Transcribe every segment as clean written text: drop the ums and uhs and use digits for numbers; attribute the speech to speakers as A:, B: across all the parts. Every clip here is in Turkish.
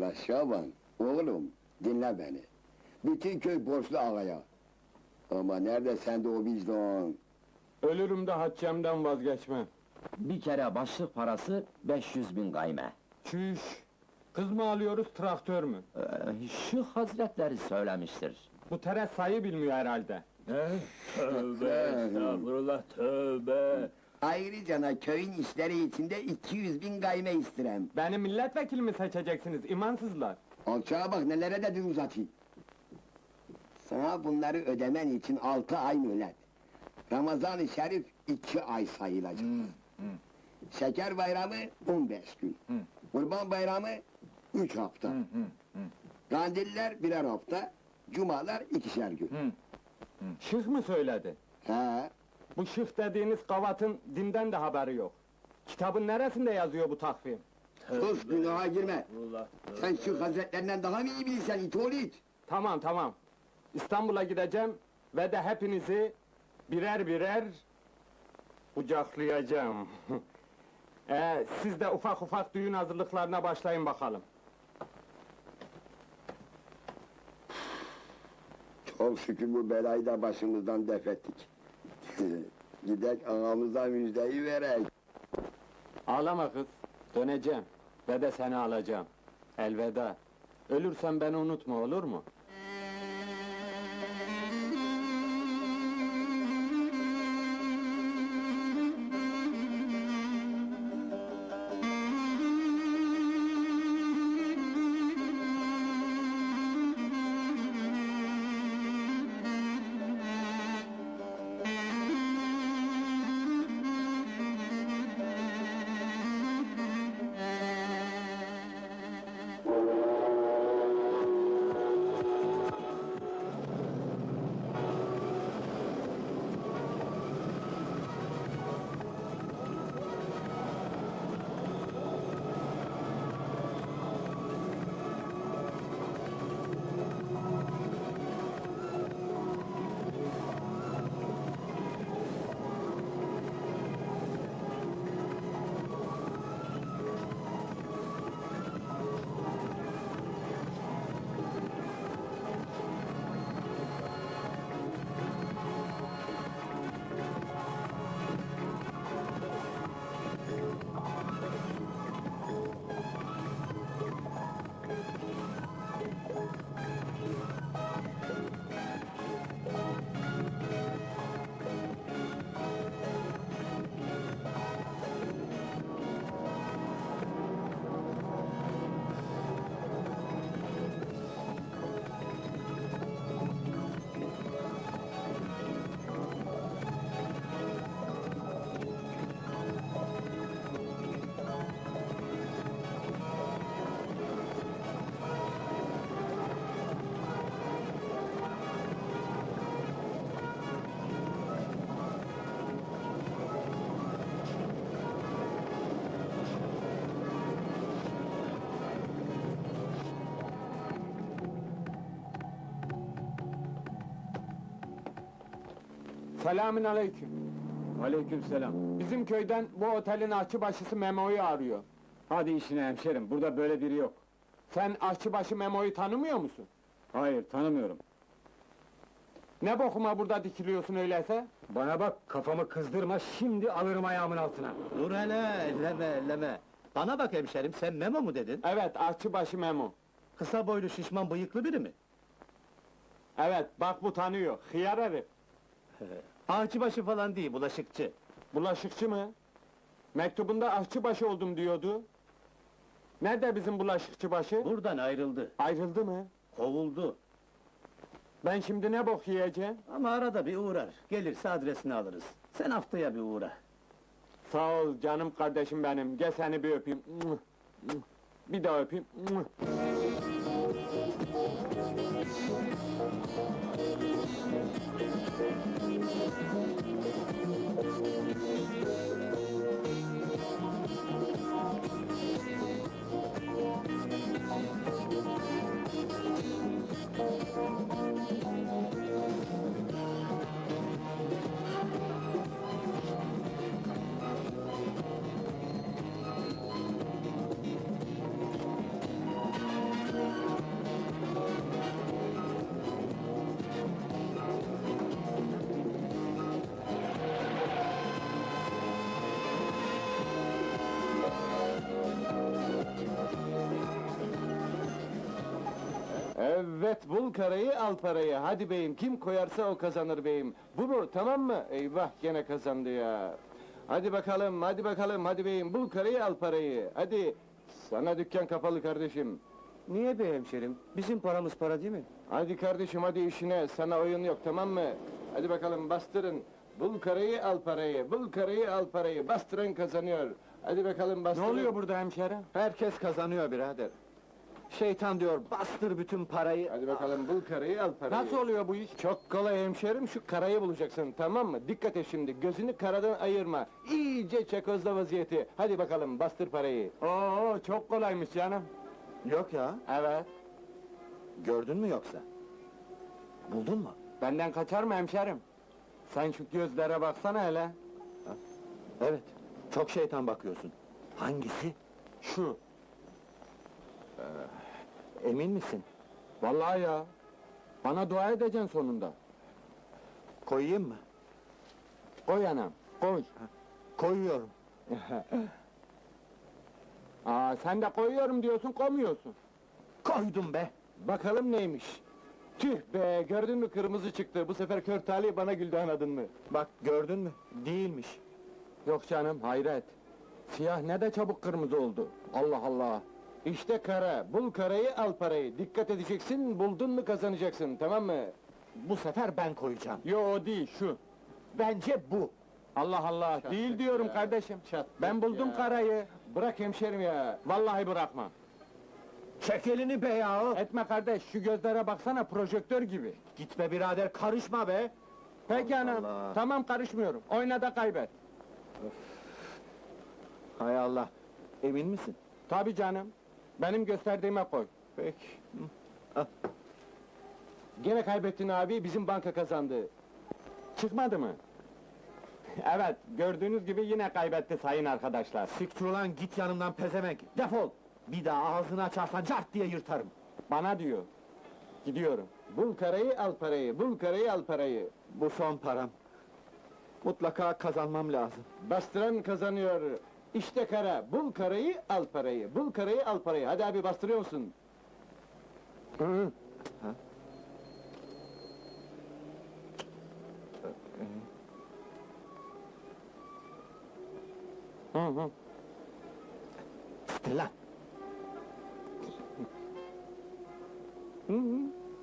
A: Allah Şaban, oğlum dinle beni. Bütün köy borçlu ağaya. Ama nerede sende o vicdan?
B: Ölürüm de haccemden vazgeçmem.
C: Bir kere başlık parası 500.000 gayme.
B: Çüş! Kız mı alıyoruz, traktör mü?
C: Şu hazretleri söylemiştir.
B: Bu teres sayı bilmiyor herhalde.
D: Tövbe estağfurullah, tövbe!
A: Ayrıca köyün işleri içinde 200.000 gayme istirem.
B: Beni milletvekili mi seçeceksiniz, imansızlar?
A: Alçağa bak nelere de dil uzatayım. Sana bunları ödemen için 6 ay mühlet. Ramazan-ı Şerif 2 ay sayılacak. Şeker bayramı 15 gün. Kurban bayramı 3 hafta. Kandiller birer hafta. Cumalar 2'şer gün.
B: Şık mı söyledi?
A: He,
B: Bu şık dediğiniz kavatın dinden de haberi yok. Kitabın neresinde yazıyor bu takvim?
A: sus günaha girme.
D: Allah,
A: Sen şu hazretlerinden daha mı iyi bilirsen it oğlu it?
B: Tamam, tamam. İstanbul'a gideceğim ve de hepinizi birer birer kucaklayacağım. Siz de ufak ufak düğün hazırlıklarına başlayın bakalım.
A: Çok şükür bu belayı da başımızdan def ettik. Gidek ağamıza müjdeyi verek.
B: Ağlama kız, döneceğim ve de seni alacağım. Elveda. Ölürsen beni unutma, olur mu? Selamün aleyküm.
D: Aleykümselam.
B: Bizim köyden bu otelin aşçıbaşısı Memo'yu arıyor.
D: Hadi işine hemşerim, burada böyle biri yok.
B: Sen aşçıbaşı Memo'yu tanımıyor musun?
D: Hayır, tanımıyorum.
B: Ne bokuma burada dikiliyorsun öyleyse?
D: Bana bak, kafamı kızdırma, şimdi alırım ayağımın altına.
E: Dur hele, elleme! Bana bak hemşerim, sen Memo mu dedin?
B: Evet, aşçıbaşı Memo.
E: Kısa boylu, şişman, bıyıklı biri mi?
B: Evet, bak bu tanıyor, hıyar herif.
E: Ağaçbaşı falan değil, bulaşıkçı.
B: Bulaşıkçı mı? Mektubunda aşçıbaşı oldum diyordu. Nerede bizim bulaşıkçı başı?
E: Buradan ayrıldı,
B: Ayrıldı mı?
E: kovuldu.
B: Ben şimdi ne bok yiyeceğim?
E: Ama arada bir uğrar, gelirse adresini alırız. Sen haftaya bir uğra.
B: Sağ ol canım kardeşim benim, gel seni bir öpeyim. Bir daha öpeyim.
F: Evet, bul karayı, al parayı. Hadi beyim, kim koyarsa o kazanır beyim. Bu mu, tamam mı? Eyvah, gene kazandı ya. Hadi bakalım, hadi bakalım, hadi beyim, bul karayı, al parayı. Hadi, sana dükkan kapalı kardeşim.
D: Niye be hemşerim? Bizim paramız para değil mi?
F: Hadi kardeşim, hadi işine, sana oyun yok, tamam mı? Hadi bakalım, bastırın. Bul karayı, al parayı, bul karayı, al parayı. Bastıran kazanıyor. Hadi bakalım,
B: Ne
F: bastırın.
B: oluyor burada hemşerim?
E: Herkes kazanıyor birader. Şeytan diyor, bastır bütün parayı.
F: Hadi bakalım, bul karayı, al parayı.
B: Nasıl oluyor bu iş?
F: Çok kolay hemşerim, şu karayı bulacaksın, tamam mı? Dikkat et şimdi, gözünü karadan ayırma. İyice çakozla vaziyeti. Hadi bakalım, bastır parayı.
B: Oo, çok kolaymış canım.
E: Yok ya,
B: Evet.
E: gördün mü yoksa? Buldun mu?
B: Benden kaçar mı hemşerim? Sen şu gözlere baksana hele.
E: Evet, çok şeytan bakıyorsun. Hangisi?
B: Şu.
E: Emin misin?
B: Vallahi ya. Bana dua edeceksin sonunda.
E: Koyayım mı?
B: Koy anam, koy.
E: Koyuyorum.
B: Aa, sen de koyuyorum diyorsun, koymuyorsun.
E: Koydum be!
F: Bakalım neymiş? Tüh be, gördün mü kırmızı çıktı. Bu sefer kör talih bana güldü, anladın mı?
E: Bak gördün mü? Değilmiş.
B: Yok canım, hayret. Siyah ne de çabuk kırmızı oldu. Allah Allah.
F: İşte kara, bul karayı, al parayı. Dikkat edeceksin, buldun mu kazanacaksın, tamam mı?
E: Bu sefer ben koyacağım.
B: Yo, o değil, şu.
E: Bence bu.
B: Allah Allah, değil diyorum
F: ya.
B: kardeşim.
F: Çattık
B: Ben buldum
F: ya.
B: karayı.
F: Bırak hemşerim ya.
B: Vallahi bırakmam.
E: Çek elini be yahu!
B: Etme kardeş, şu gözlere baksana, projektör gibi.
E: Gitme birader, karışma be!
B: Peki anam,
E: Allah.
B: tamam karışmıyorum. Oyna da kaybet.
E: Hay Allah! Emin misin?
B: Tabii canım. Benim gösterdiğime koy.
E: Peki.
F: Gene kaybettin abi, bizim banka kazandı.
B: Çıkmadı mı? Evet, gördüğünüz gibi yine kaybetti sayın arkadaşlar.
E: Siktir ulan, git yanımdan pezevenk! Defol! Bir daha ağzını açarsan cart diye yırtarım!
B: Bana diyor. Gidiyorum.
F: Bul karayı, al parayı, bul karayı, al parayı.
E: Bu son param. Mutlaka kazanmam lazım.
F: Bastıran kazanıyor. İşte kara, bul karayı, al parayı, bul karayı, al parayı. Hadi abi, bastırıyor musun?
B: Hı. Hı hı.
E: Siktir lan!
B: Hı hı.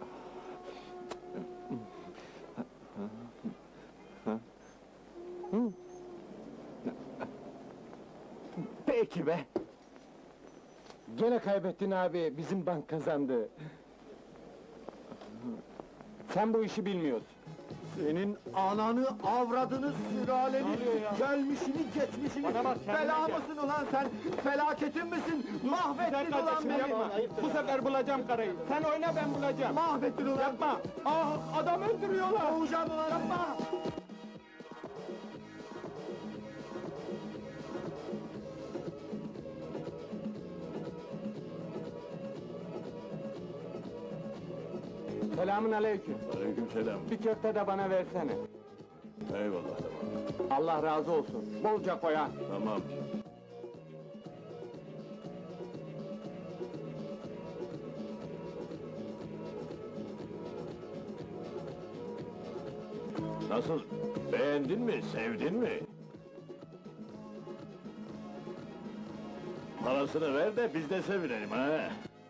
B: Hı.
E: Peki be!
F: Gene kaybettin abi, bizim bank kazandı.
B: Sen bu işi bilmiyorsun.
E: Senin ananı, avradını, sülaleni,
B: Ne oluyor ya?
E: gelmişini, geçmişini,
B: Bana bak, kendine
E: bela
B: gel.
E: mısın ulan sen? Felaketin misin? Mahvettin ulan
B: Kardeşim
E: beni!
B: yapma. Bu sefer bulacağım karayı. Sen oyna, ben bulacağım.
E: Mahvettin ulan!
B: Yapma! Ah, adam öldürüyorlar!
E: Boğacağım ulan! Yapma!
B: Selamün aleyküm.
G: Aleykümselam.
B: Bir köfte de bana versene.
G: Eyvallah, tamam.
B: Allah razı olsun. Bolca koy ha.
G: Tamam. Nasıl? Beğendin mi? Sevdin mi? Parasını ver de biz de sevinelim ha.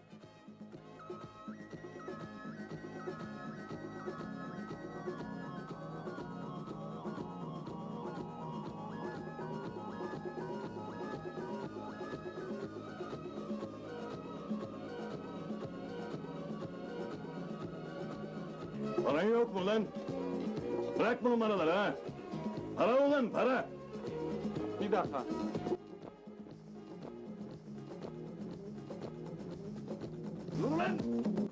G: Paran yok mu lan? Bırak bu numaraları ha! Para ulan, para!
B: Bir dakika.
G: Dur lan!